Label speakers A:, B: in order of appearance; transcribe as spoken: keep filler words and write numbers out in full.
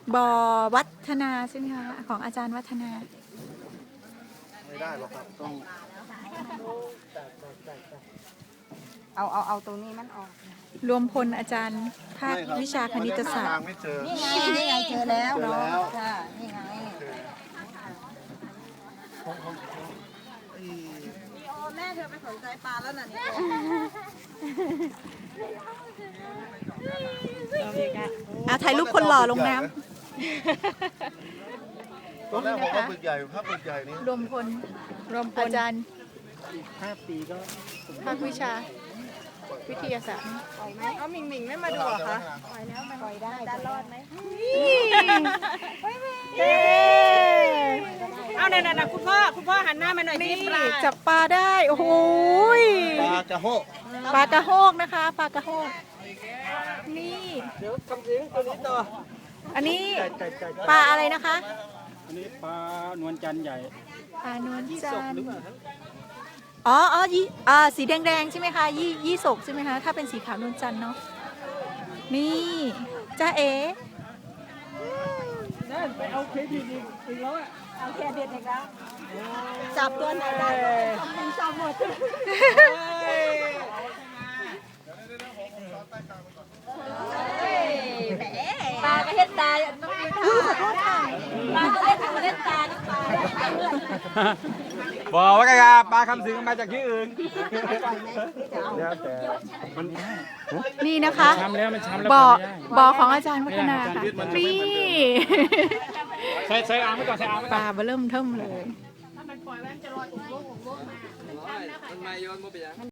A: บอวัฒนาใช่ไหมคะของอาจารย์วัฒนา
B: ไม่ได้หรอกครับต้อง
C: เอาเอาเอาตรงนี้มันออก
A: รวมพลอาจารย์ภาควิชาคณิตศาสต
B: ทา
A: ร์
B: งไม่เจอ
C: นี่ไงนี่ไงเจอแล้ว
B: เจอแล้ว
C: ค่ะนี่ไง
D: โอ้แม่เธอไปสนใจปลาแล้วน่ะนี่
A: อ่ะถ่ายรูปคนหล่อลงน้
B: ตอนแรกผมว่าปึกใหญ่ภาพปึกใหญ่นี่
A: ำรวมพลรวมพลอาจารย์
B: ห้าปีก็
A: ภาควิชาวิทยาศาสตร์
D: เอาหมิงหมิงไม่มาดูเหรอคะ
C: ปล่อยได้จะรอดไหม
A: เย้
D: เอาเนี่ยนะคุณพ่อคุณพ่อหันหน้ามาหน่อย
A: นี่
D: ปลา
A: จับปลาได้ โอ้โหย
B: ปลากระโฮก
A: ปลากระโฮกนะคะปลากระโฮกนี่
B: เดี๋ยวคำสิงตัวนี้ต่อ
A: อันนี้ปลาอะไรนะคะ
E: อันนี้ปลานวลจันทร์ใหญ่
A: ปลานวลจันทร์อ๋ออ๋อยี่อ่าสีแดงๆใช่ไหมคะยี่ยี่สกใช่ไหมคะถ้าเป็นสีขาวนวลจันทร์เนาะนี่จ้าเอ๋
E: ไปเอาเครดิตอีกแล้วอ่ะ
C: เอาแค่เด็ดอีกแล้วจับตัวไหนได้ทำเป็นชอบหมด ปลากระเฮ็ดตาต้องมีขอโทษค่ะปลากระเฮ็ดกระเฮ็ดตาน้ำปลา
E: บอกว่าไงครับปลาคำสิงมาจากที่อื่น
B: แล้วแต่
A: นี่นะคะ
E: ช้ำแล้วมันช้ำแล้ว
A: บ่อ
E: ปล่ยไม่ได้
A: บ่อของอาจารย์วัฒนาค่ะนี่
E: ใส่ใส่อ่างไว้ก่อนใส่อ่างไว้
A: ป
E: ก่อน
A: ลาเบอเริ่มเทิมเลย